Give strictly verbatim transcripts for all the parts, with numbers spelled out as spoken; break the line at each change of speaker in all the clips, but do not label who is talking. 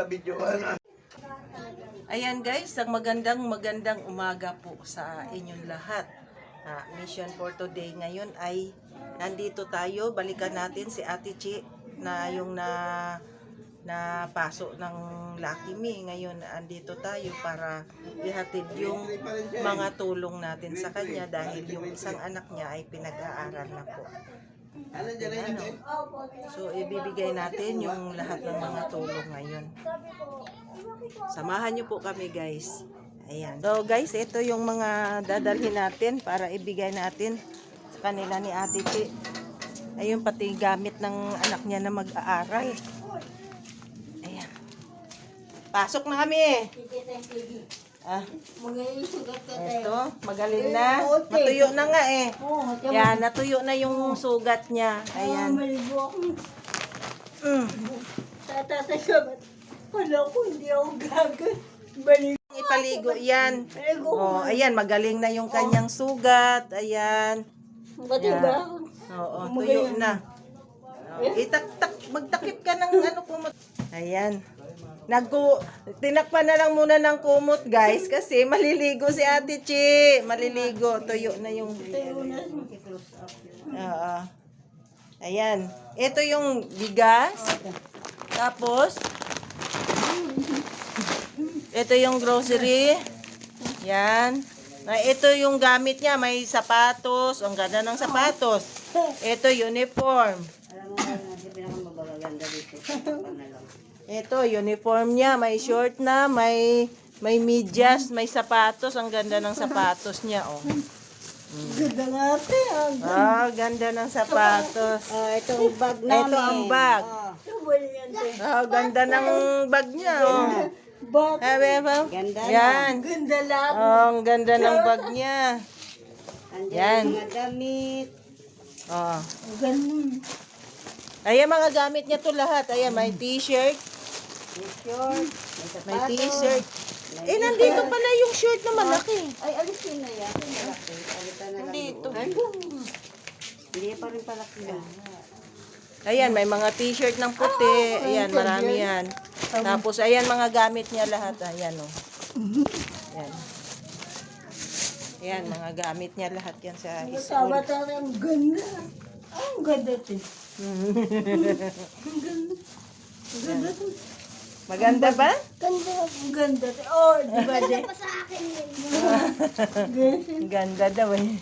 mabidyoan.
Ayan guys, ang magandang magandang umaga po sa inyong lahat. Ah, mission for today ngayon ay nandito tayo, balikan natin si Ate Chi na yung na na paso ng Lucky Me. Ngayon andito tayo para ihatid yung mga tulong natin sa kanya dahil yung isang anak niya ay pinag-aaral na po. Ano? So ibibigay natin yung lahat ng mga tulong ngayon. Samahan niyo po kami guys. Ayan. So guys, ito yung mga dadalhin natin para ibigay natin sa kanila ni Ate Chi. Ayun pati gamit ng anak niya na mag-aaral. Ayan. Pasok na kami. Ah. Ito, magaling na. Natuyo na nga eh. Yan, natuyo na yung sugat niya. Ayan. Mm.
Wala ko, hindi ako gagawin. Balik.
Ipaligo yan. Oh, ayan, magaling na yung kanyang sugat. Ayan.
Ba't ba?
Oo, tuyo na. Oh, itaktak, magtakip ka ng ano kumot. Ayan. Nagku tinakpan na lang muna ng kumot, guys, kasi maliligo si Ate Chi. Maliligo, tuyo na yung Oo. Ayan. Ito yung bigas. Tapos ito yung grocery. Yan. Ito yung gamit niya. May sapatos. Ang ganda ng sapatos. Ito uniform. Ito uniform niya. May short na. May may medyas. May sapatos. Ang ganda ng sapatos niya. Oh.
Ganda natin.
Ah, ganda ng sapatos.
Ah, ito ang bag namin.
Ito ang bag. Ah, ganda ng bag niya. Oh.
Bag.
Ganda yan.
Ganda lang.
Oh, ang ganda ng bag niya. Yan.
Mga damit.
Oh.
Ganun.
Ayan mga gamit niya to lahat. Ayan, may t-shirt.
T-shirt.
May t-shirt. Eh, nandito pala yung shirt na malaki.
Ay, alisin na yan. Malaki. Alitan na lang.
Nandito.
Hindi pa rin palaki yan.
Ayan, may mga t-shirt ng puti. Ayan, marami yan. Tapos, ayan mga gamit niya lahat. Ayan, oh. Ayan. Ayan, mga gamit niya lahat yan sa school.
Masama tayo. Ang ganda. Ang ganda ito. Ang ganda. Ang ganda ito.
Maganda ba?
Ganda. Ang ganda ito. Oh, di ba? Ganda pa sa akin
Ang ganda daw eh.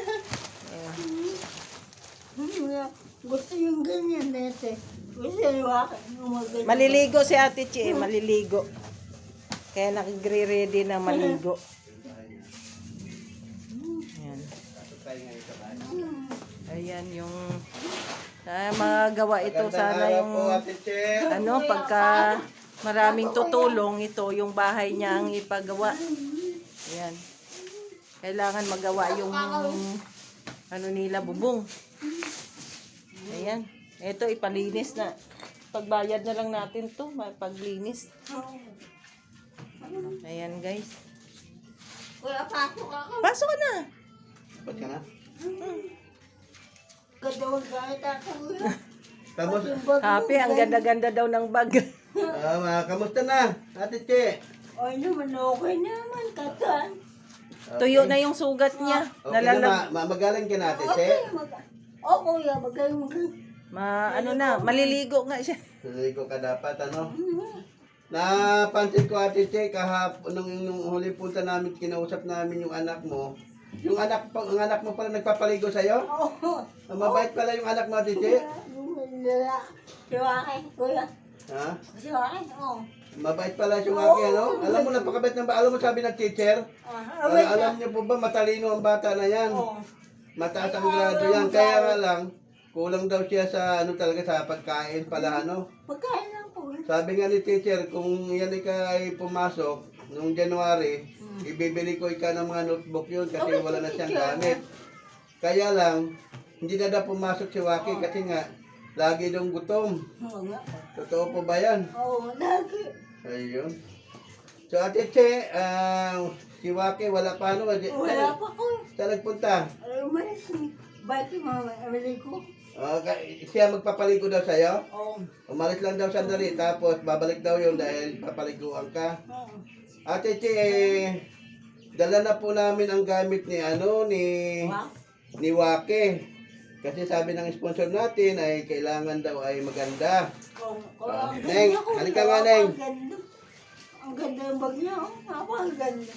Gusto yung ganyan nete. Gusto yung akin.
Maliligo si Ate Chi, eh, maliligo. Kaya nagre-ready na maligo. Ayan. Ayan yung ah, magawa ito sana yung ano pagka maraming tutulong ito yung bahay niya ang ipagawa. Ayan. Kailangan magawa yung ano nila bubong. Ayan. Ito ipalinis na. Pagbayad na lang natin to, paglinis. Ayan guys.
Kuya, pasok ako.
Pasok ka na.
Ba't ka na?
Kadawag kahit ako.
Tapos,
Happy, ang ganda-ganda daw ng bag.
ah, mga kamusta na, Ate Chi?
Ay naman, okay naman. Katan.
Tuyo na yung sugat niya.
Okay na,
Nalalag.
ma- ma- magaling ka na, Ate Chi?
Okay, mag... Oh, kuya, magaling magaling.
Ma, ano na, maliligo nga siya.
Naligo ka dapat, ano? Napansin ko, Ate Che, kahapon, nung, nung huli punta namin, kinausap namin yung anak mo. Yung anak, pa- ang anak mo pala nagpapaligo sa'yo?
Oo.
Ang mabait pala yung anak mo, Ate Che.
Si Waki, kuya.
Ha?
Si Waki, oo.
Mabait pala si Waki, ano? Alam mo, napakabait ng ba? Alam mo, sabi ng teacher,
Ah,
Al- alam niyo po ba, matalino ang bata na yan.
Oo.
Mataas ang grado yan. Kaya nga lang, kulang daw siya sa ano talaga sa pagkain pala ano.
Magkain lang po.
Sabi nga ni teacher, kung yan ika ay pumasok noong January, ibibili ko ika ng mga notebook yun kasi
Okay,
wala na siyang
teacher.
gamit. Kaya lang, hindi na daw pumasok si Waki kasi nga, lagi daw gutom.
Oo nga.
Totoo po ba yan?
Oo, lagi.
Ayun. So Ate Che, ah, si Waki wala pa ano.
Wala pa ko.
Saan nagpunta?
Ay, umalis ni. Bakit mama, amili ko?
Ah, ka- siya magpapaligo daw sa'yo?
Oo.
Umalis lang daw sandali, tapos babalik daw yun dahil papaliguan ka.
Oo.
Ate Che, eh, dala na po namin ang gamit ni ano, ni,
Wow.
ni Wake. Kasi sabi ng sponsor natin ay kailangan daw ay maganda.
Kung, kung
Ah,
ang
Neng,
ganda ko,
halika nga, Neng.
Ang ganda. Ang ganda yung bag niya. Oh. Napakaganda.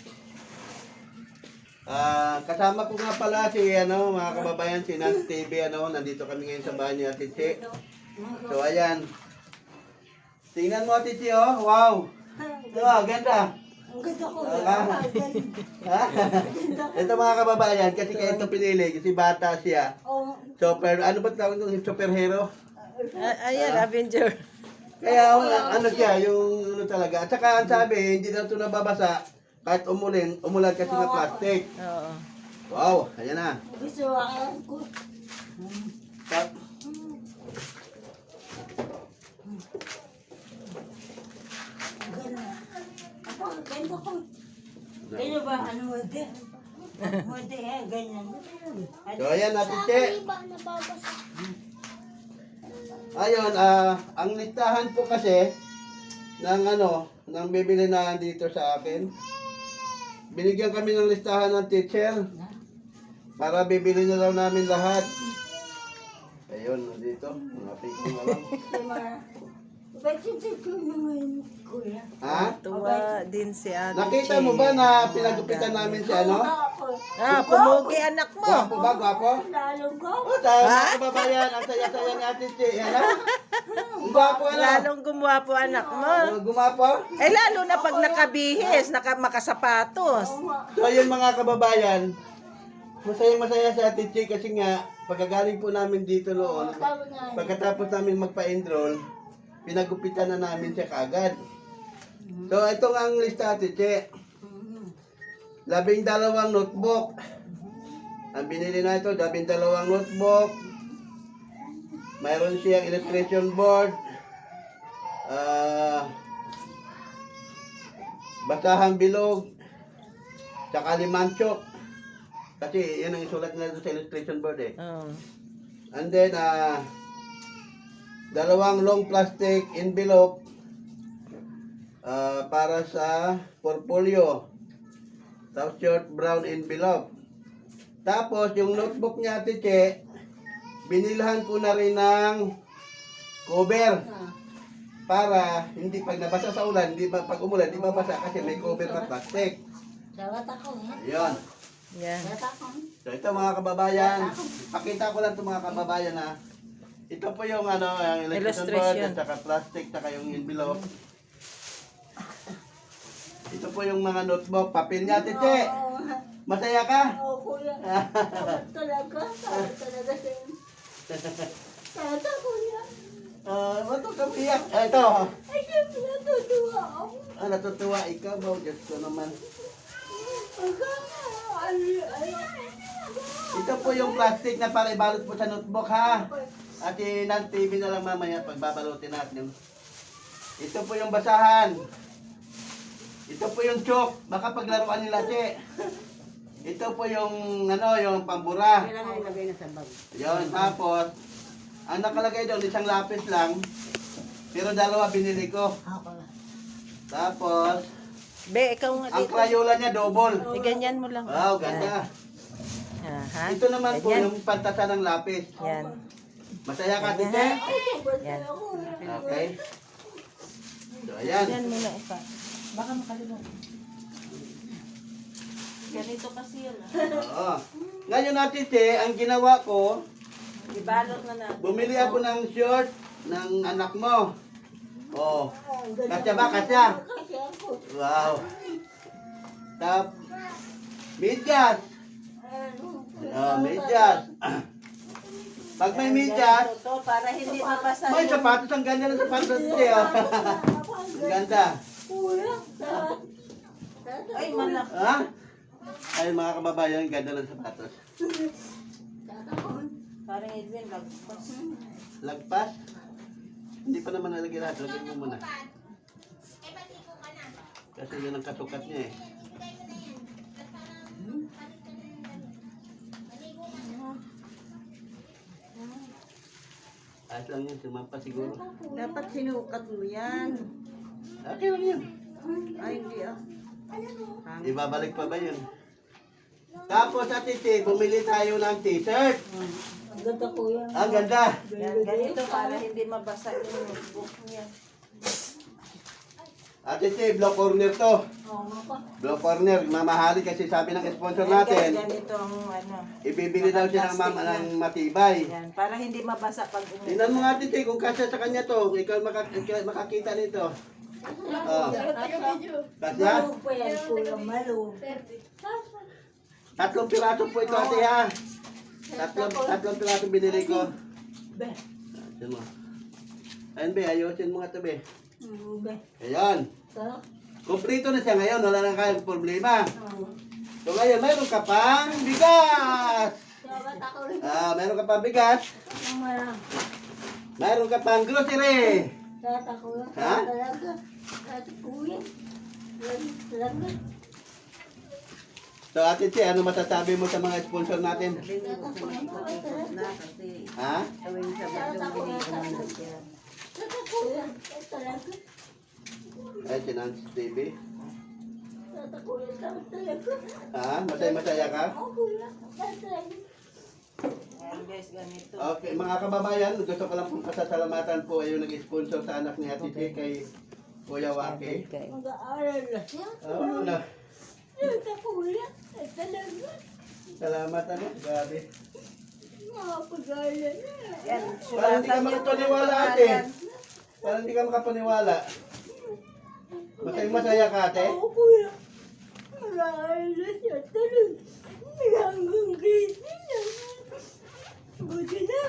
Ah, kasama ko nga pala si ano, mga kababayan, si Nat T V, ano, nandito kami ngayon sa bahay ni Ate Che. So ayan. Tingnan mo Ate Che, oh. Wow. Oh, ganda.
Ang ganda ko.
Ah.
Ang ganda.
Ha? Ito mga kababayan, kasi kaya ito pinili, kasi bata siya.
Oh.
Super, ano ba tawag nung superhero?
Ah, ayan, Avenger.
Kaya uh, ano siya, yung ano talaga. At saka ang sabi, hindi daw ito nababasa kahit umulin, umulan kasi ng plastic.
Oo.
Wow, ayan na.
Gusto ko.
Tap-
Ang ganda. Ako, ang ganda ko. Kaya ba, ano mo din? Mo din, eh, ganyan.
So ayan natin, Che. Ayun, ah, ang listahan po kasi ng ano, ng bibili na dito sa akin. Binigyan kami ng listahan ng teacher para bibili na daw namin lahat. Ayun, dito, mga picture na lang.
Ba't yung tigil naman, kuya?
Ha?
Tuwa din si Ate
Nakita
Che.
mo ba na pinagupitan namin si ano?
Ah, pumugi anak mo.
Gwapo ba, gwapo?
Lalong ko.
O, tayo mga kababayan, ang saya-saya ni Ate Che. Ano? Ang gwapo, ano?
Lalong gumwapo anak mo.
Uh, gumapo?
Eh, lalo na pag nakabihis, naka, makasapatos.
So, ayun mga kababayan, masayang masaya si Ate Che kasi nga, pagkagaling po namin dito noon, pagkatapos namin magpa-enroll, pinagupitan na namin siya kaagad. So, ito nga ang lista, Ate Che. Labing dalawang notebook. Ang binili na ito, labing dalawang notebook. Mayroon siyang illustration board. Ah... basahang bilog. Tsaka limanchok. Kasi yan ang isulat nila doon sa illustration board eh.
Oh.
And then, ah... dalawang long plastic envelope ah, para sa portfolio. Tapos short brown envelope. Tapos yung notebook niya, Ate Che, binilhan ko na rin ng cover para hindi pag nabasa sa ulan, hindi ba pag umulan, hindi mabasa kasi may cover na plastic.
Dapat ako, ha?
Ayun.
Yan.
Dapat ako.
So ito mga kababayan, pakita ko lang ito mga kababayan na ito po yung ano, yung illustration board
Illustration.
at saka plastic, saka yung envelope. Ito po yung mga notebook, papel niya, Ate Che.
Oo,
Masaya ka?
oo, kuya. Dapat talaga. Dapat talaga sa'yo. Tata, kuya.
Ah, uh, ba't ka piyak? Ah, ito.
Ay, siyempre natutuwa ako.
Ah, natutuwa ikaw ba? Diyos ko naman.
Pagka, ano, ano.
Ito po yung plastic na para ibalot po sa notebook, ha? At inan T V na lang mamaya pagbabalutin natin. Ito po yung basahan. Ito po yung chalk. Baka paglaruan nila, Che. Ito po yung, ano, yung pambura.
Kailangan ilagay na sa bag.
Yun, tapos, ang nakalagay doon, isang lapis lang. Pero dalawa binili ko.
Ako.
Tapos,
Be, ikaw nga
ang
dito.
Crayola niya double.
Eh, ganyan mo lang.
Wow, ganda.
Yan, ha?
Ito naman po
Ganyan.
yung pantasa ng lapis.
Yan.
Masaya ka, Ate Che?
Ay, sobrang
Yan.
ako.
Okay. So, ayan.
Yan muna ipa. Baka makalimutan. Ganito kasi yun. Ah.
Oo. Ngayon, Ate Che, ang ginawa ko,
Ibalot na natin.
bumili ako ng short ng anak mo. Oh.
Ang ganda.
Kasya ba? Kasya?
Kasi ako.
Wow. Tap. Medyas.
Ano?
Oh, medyas. Pag may medyas,
Ito, para hindi mabasa
may
yung...
sapatos. Ang ganda ng sapatos, Ate Che. Oh. Ang ganda.
Kuya, dapat.
Ay, malaki.
Ha? Ay, mga kababayan, ang ganda ng sapatos.
Parang Edwin, lagpas.
Lagpas. Hindi pa naman nalagay lahat. Lagay mo muna. Kasi yun ang kasukat niya eh. Ayos lang yun, sumampa siguro.
Dapat sinukat mo yan.
Okay lang yun.
Ay, hindi ah. Pangit.
Ibabalik pa ba yun? Tapos Ate Che, bumili tayo ng t-shirt.
Ang ganda kuya.
Ang ganda.
Yan, ganito para hindi mabasa yung notebook niya.
Ate Che, block corner to.
Oo nga pa.
Block corner, mamahali kasi sabi ng sponsor
Yan, guys,
natin,
ganito ang ano.
ibibili daw siya ng, mama, ng matibay.
Yan, para hindi mabasa pag umuwi.
Tingnan mo nga Ate Che, kung kasya sa kanya to, ikaw maka- ikaw makakita nito. Oh. Kasya?
Malug pa yan kuya, malug.
Tatlong piraso po ito Ate ha. Tatlong, tatlong piraso binili ko.
Be.
Ayun mo. Ayun be, ayusin mo nga ito be.
Mm, be.
Ayan.
Sarap.
Kumplito na siya ngayon, wala na kayong problema.
Oo.
So ngayon, mayroon ka pang bigas.
Salamat ako rin.
Ah, mayroon ka pang bigas.
Ang marang.
Mayroon ka pang grocery.
Salamat ako rin.
Ha?
Talaga. Salamat kuya. Salamat.
So Ate Che, ano masasabi mo sa mga sponsor natin?
Hindi ko pinapag-ikot na kasi
Ha?
gawin sa bagong binigyan siya.
Salamat kuya. Talaga.
Ay, si Nance T V.
Salamat kuya. Salamat talaga.
Ha? Masaya-masaya ka?
Oo kuya. Salamat talaga.
Yan guys, ganito.
Okay, mga kababayan, gusto ko lang pong pasasalamatan po ay yung nag-sponsor sa anak ni Ate Che kay Kuya Waki.
Mag-aaral na siya.
Oh, na.
Salamat kuya. Talaga.
Salamat ano, grabe.
Makapag-aaral na.
Yan,
Parang hindi ka
sulatan niyo po yung
makapaniwala ate.
pangalan.
Parang hindi ka makapaniwala. Masaya-masaya ka ate?
Oo kuya. Mag-aaral na siya. Talaga. Hanggang grade na. Buti na.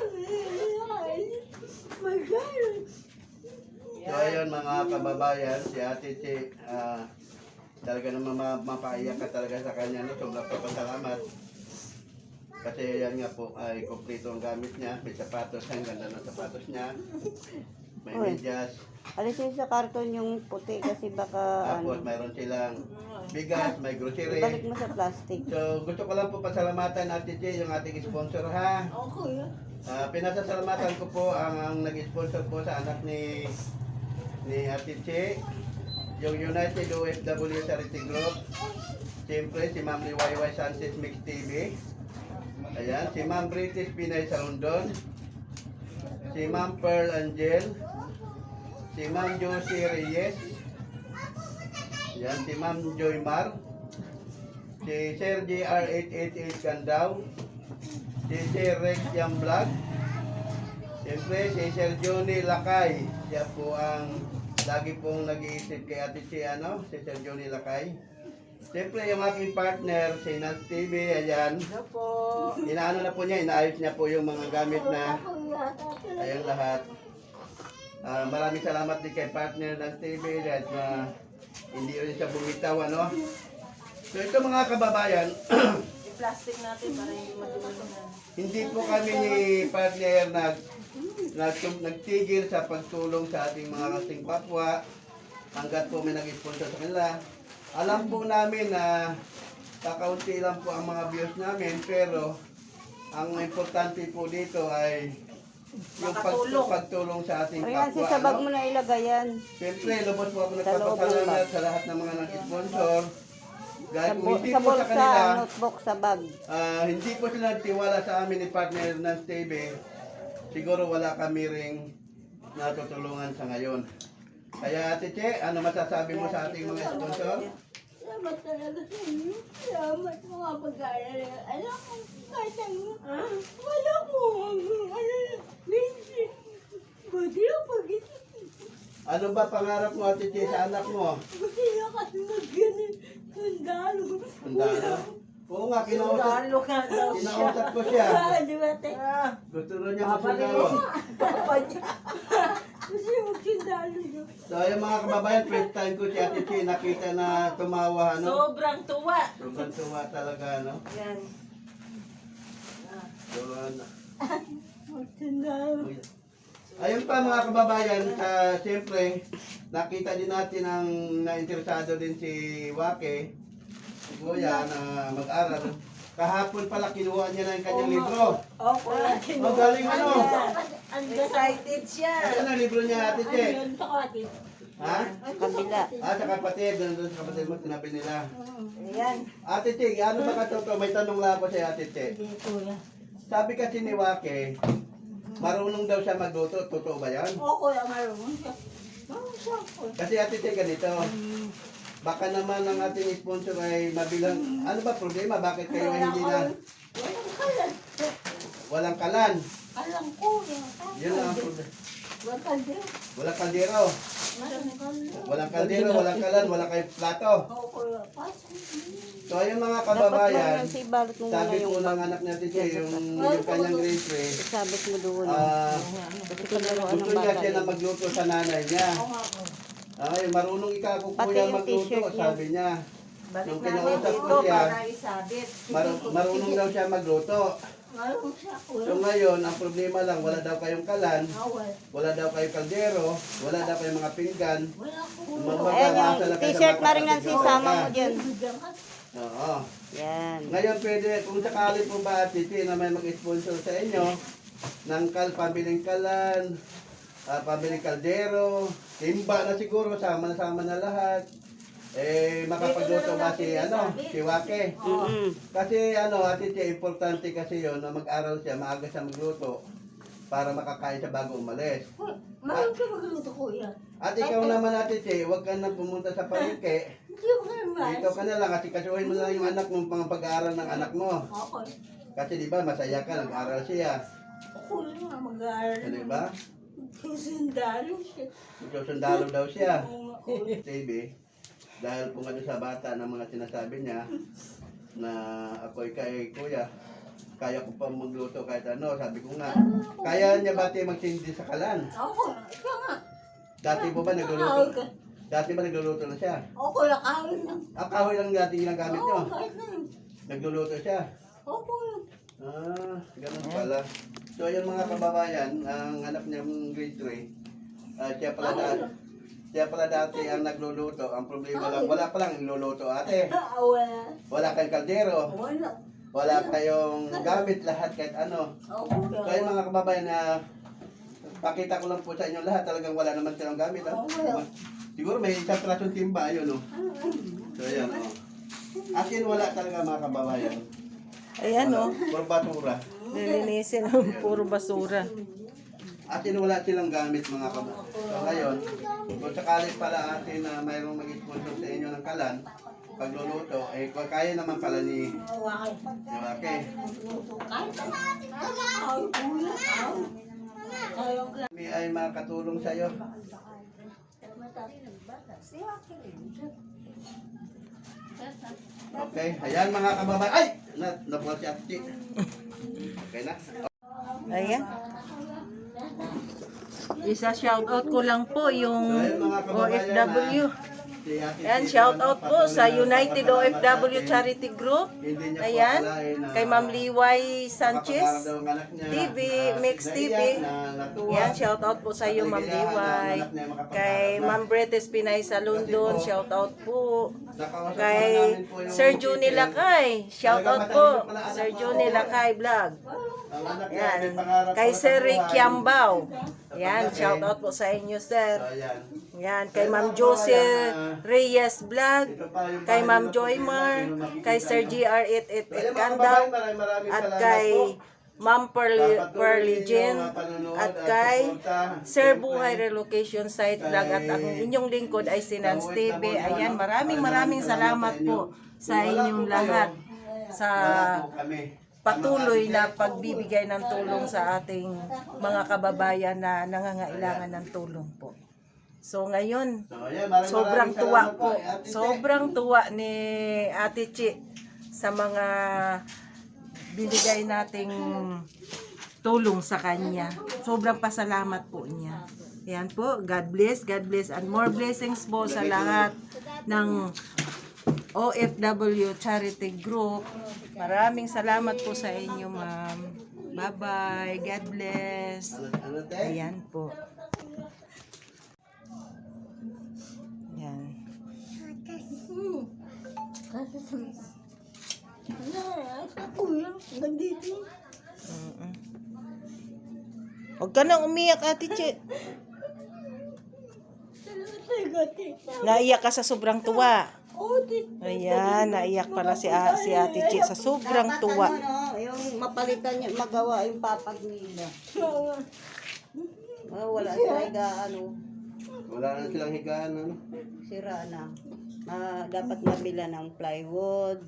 Mag-aaral.
So ayun mga kababayan, si Ate Che, ah, talaga naman ma- mapaiyak ka talaga sa kanya. No? Sobrang papasalamat. Kasi yan nga po ay kompleto ang gamit niya. May sapatos, ang ganda ng sapatos niya. May
Uy.
medyas.
Alisin sa karton yung puti kasi baka
Tapos
ano,
mayroon silang bigas, may grocery.
ibalik mo sa plastic.
So gusto ko lang po pasalamatan Ate Che, yung ating sponsor ha.
Oo kuya.
Ah, pinasasalamatan ko po ang, ang nag-sponsor po sa anak ni ni Ate Che, yung United O F W Charity Group. Siyempre si Ma'am Liwayway Sanchez Mix T V. Ayan, si Ma'am British Pinay sa London. Si Ma'am Pearl Angel. Si Ma'am Josie Reyes. Ayan, si Ma'am Joy Mar. Si Sir J R eight eight eight Candaw. Si Sir Rex Yang Vlog. Siyempre, si Sir Johnny Lakay. Siya po ang lagi pong nag-iisip kay Ate Che, ano? Si Sir Johnny Lakay. Siyempre, yung aking partner, si Nance T V, ayan.
Hello po.
Inaano na po niya, inaayos niya po yung mga gamit na,
Kuya.
ayan lahat. Ah, maraming salamat din kay partner Nance T V dahil na hindi rin siya bumitaw, ano? So ito mga kababayan,
I-plastic natin para hindi madumi na.
hindi po kami ni partner nag, nag, nagtigil sa pagtulong sa ating mga kasing kapwa hanggat po may nag-sponsor sa kanila. Alam po namin na kakaunti lang po ang mga views namin pero ang importante po dito ay yung pag,
Makatulong.
pagtulong sa ating
Riyan,
kapwa.
sa bag
ano?
mo na ilagay yan.
Siyempre, lubos po ako
Sa loob ng
nagpapasalamat
bag.
sa lahat ng mga nag-sponsor.
Sa,
Dahil kung
bu-
hindi
sa
po sa
bulsa,
kanila,
notebook, sa bag.
ah, hindi po sila nagtiwala sa amin ni partner ng T V, siguro wala kami ring natutulungan sa ngayon. Kaya Ate Che, ano masasabi mo sa ating mga sponsor?
Salamat talaga sa inyo. Salamat mga pag-aaral. Alam ko, kahit ano, wala ko. Ano, busy. Buti lang pag-isip.
Ano ba pangarap mo Ate Che sa anak mo?
Buti lang kasi mag-ganun. Sundalo.
Sundalo? Oo nga, kinausap,
Sundalo nga daw siya.
kinausap ko siya.
Ah, di ba, te?
Ah,
Gusto rin niya
babalik
masundalo.
mo. Papa niya.
Gusto mag-sundalo niyo.
So yung mga kababayan, first time ko si Ate Che nakita na tumawa, ano?
Sobrang tuwa.
Sobrang tuwa talaga, no?
Yan.
So, ano,
Mag-sundalo.
ayun pa mga kababayan, sa siyempre, nakita din natin ang nainteresado din si Wake, si Kuya, na mag-aral. Kahapon pala kinuha niya na yung kanyang libro.
Opo.
Oh, galing ano?
Excited siya.
Ano ang libro niya, Ate Che?
Ayun, takati.
Ha?
Kabila.
Ah, sa kapatid. Nandun sa kapatid mo, sinabi nila.
Ayan.
Ate Che, ano ba katotoo? May tanong lang ako sa Ate Che.
Hindi, kuya.
Sabi kasi ni Wake, marunong daw siya magluto. Totoo ba yan?
Oo, kuya, marunong siya. Marunong siya, kuya.
Kasi Ate Che, ganito. Baka naman ang ating sponsor ay mabilang, ano ba problema? Bakit kayo ay hindi na
Walang kalan.
walang kalan?
Alam ko, yan.
Yun lang ang problema.
Walang kaldero.
Walang kaldero.
Walang kaldero.
Walang kaldero, walang kalan, wala kayong plato.
Oo, kuya. Pasok.
So ayun mga
Dapat
kababayan,
mo si balot mo muna
sabi
yung
po ng anak natin siya, yung, yung kanyang grade three,
isabit mo doon.
ah,
Kasi paglaruan ng
gusto niya
bata.
siya na magluto sa nanay niya.
Oo nga, kuya.
Ay, marunong ikaw po
Pati
kuya
yung
magluto,
t-shirt niya.
sabi niya.
Balik
Nung
natin
kinausap
ito
ko siya,
para isabit.
Mar- marunong daw siya magluto.
Marunong siya, kuya.
So ngayon, ang problema lang, wala daw kayong kalan,
Awal.
wala daw kayong kaldero, wala daw kayong mga pinggan.
Wala ko.
Mga
Ayan
nasa
yung
lang kayo sa
t-shirt
mga
na rin ang
kapatid
sisama
ka.
mo dyan.
Bigyan ka.
Oo.
Yan.
Ngayon pwede, kung sakali po ba Titi na may mag-sponsor sa inyo ng kal, pabiling kalan, uh, pabiling kaldero, timba na siguro, sama na sama na lahat. Eh, makapagluto ba si, ano, si Wake?
Mm-mm.
Kasi ano, Ate Che, importante kasi yon na mag-aral siya, maaga siya magluto para makakain siya bago umalis.
Kuya, marunong siya magluto, kuya.
At ikaw naman, Ate Che, huwag ka na pumunta sa palengke.
Hindi ko naman.
Dito ka na lang kasi kasuhin mo na lang yung anak mo, pang pag-aaral ng anak mo.
Ako.
Kasi di ba, masaya ka, nag-aaral siya.
Ako nga mag-aaral.
Di ba?
Susundalo siya.
Susundalo daw siya.
Oo nga, kuya.
Baby, dahil kung ano sa bata ng mga sinasabi niya, na ako'y kay kuya, kaya ko pa magluto kahit ano, sabi ko nga, kaya niya ba tayo magsindi sa kalan?
Ako, ikaw nga.
Dati po ba
Kahoy
nagluluto?
ka.
Dati ba nagluluto na siya?
Ako, kuya, kahoy lang.
Ah, kahoy lang dati ginagamit niyo.
Oo, kahit na yun.
Nagluluto siya.
Opo yun.
Ah, ganun pala. So, ayun mga kababayan, ang anak niyang grade three, ah, siya pala dati, siya pala dati ang nagluluto. Ang problema lang, wala pa lang niluluto ate.
Ah, wala.
Wala kayong kaldero,
Wala.
wala kayong gamit lahat kahit ano.
Ako,
So, ayun mga kababayan na pakita ko lang po sa inyo lahat, talagang wala naman silang gamit. Ha? Siguro may isang trasong timba, yun oh. So, ayan oh. Akin wala talaga mga kababayan.
Ayan o.
Puro batura.
Lilinisin ang puro basura.
Atin wala silang gamit mga kababayan. So ngayon, kung sakali pala atin na mayroong mag-sponsor sa inyo ng kalan, pagluluto, eh kung kaya naman pala ni
Wakay.
Wake.
Kahit na natin. Kahoy, kuya. Kahoy. Kahoy ang
Kami ay makatulong sa iyo. Okay, ayan mga kababayan. Ay! Na, nabuhat si Ate. Okay na?
Ayan. Isa shoutout ko lang po yung
So, ayun mga
O
kababayan.
F W.
ah, si Ate
Ayan,
Tita,
shout
ano,
out po
patuloy
sa
na
United O F W
napapasalamat natin.
Charity Group.
Hindi niya po
Ayan,
akalain na
kay Ma'am Liway Sanchez.
makapag-aral daw ang anak niya
T V,
na
Mix
naiyak,
T V.
na natuwa.
Yan, shout out po sa iyo Ma'am Liway. Kay Ma'am Bretes Pinay sa London, shout out po.
Nakausap
Kay
namin po yung
Sir Juni
teacher.
Lakay, shout out po. Sir Juni Lakay Vlog.
Ang anak niya,
Yan.
may pangarap
Kay
po sa
Sir Rick
buhay.
Yambao. Yan, shout out po sa inyo, sir.
So, ayan.
Yan, kay Ma'am Josie Reyes Vlog.
Ito pa yung
Kay
bahay
Ma'am
nila po,
Joymar.
sino makikita
Kay Sir
nyo.
G R eight eight
So,
eight
ayan, mga
Kandaw.
kababayan, maraming maraming
At
salamat
kay
po.
Ma'am Pearly,
Papatuloy
Pearly
ninyo
Jean.
ang panonood
At
at
kay
suporta.
Sir
Siyempre,
Buhay Relocation Site Vlog. At ang inyong lingkod ay si Nance T V. Ayan, maraming maraming salamat po sa inyong lahat sa
wala po kami.
patuloy na pagbibigay ng tulong sa ating mga kababayan na nangangailangan ng tulong po. So ngayon,
So, ayan, maraming
sobrang
maraming
tuwa
salamat
po.
kay Ate Che.
Sobrang tuwa ni Ate Chi sa mga binigay nating tulong sa kanya. Sobrang pasalamat po niya. Yan po, God bless, God bless, and more blessings po sa lahat ng O F W Charity Group. Maraming salamat po sa inyo, ma'am. Bye-bye. God bless.
Ano, ano, te?
Ayan po. Yan.
Hmm. Kasi sa... Ano, ano, hanggang dito.
Mm-mm. Huwag ka nang umiyak, Ate Che.
Salamat talaga, tita.
Naiyak ka sa sobrang tuwa.
Oo, tita.
Ayan, naiyak pala si, A- si Ate Che sa sobrang
Dapat
tuwa.
ano, no, yung mapalitan niya, magawa yung papag nila.
Oo.
Oh, wala sila higa, ano,
Wala na silang higaan, ano?
sira na. Ma, dapat mabila ng plywood.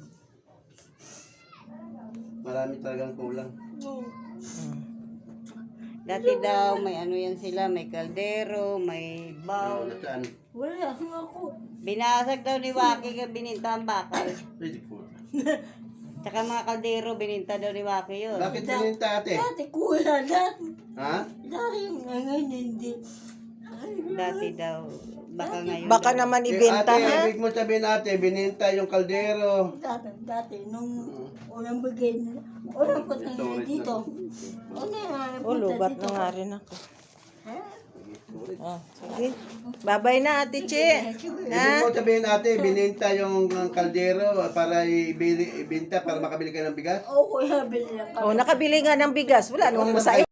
Marami talagang kulang.
Oo.
Mm.
Dati daw, may ano yan sila, may kaldero, may
Ano,
bowl.
nasaan?
Wala nga ako.
Binasag daw ni Waki ka bininta ang bakal.
Pwede po.
Tsaka mga kaldero, bininta daw ni Waki yun.
Bakit pininta ate?
Dati kuya, dati.
Ha?
Dati ngayon hindi. Ay,
Dati daw, baka ngayon.
Baka
daw.
naman
Eh,
ibenta,
ate,
ha?
ibig mo sabihin ate, bininta yung kaldero.
Dati, dati, nung unang bagay nila. Unang punta nila dito. Ano yung
Oh, lubat na nga rin ako. Oh, sige. Bye-bye na, Ate Che.
Ibig mo sabihin ate, bininta yung kaldero para ibili, ibenta para makabili ka ng bigas?
Oo, kuya, bilhin lang kami.
Oh, nakabili nga ng bigas. Wala namang masaya.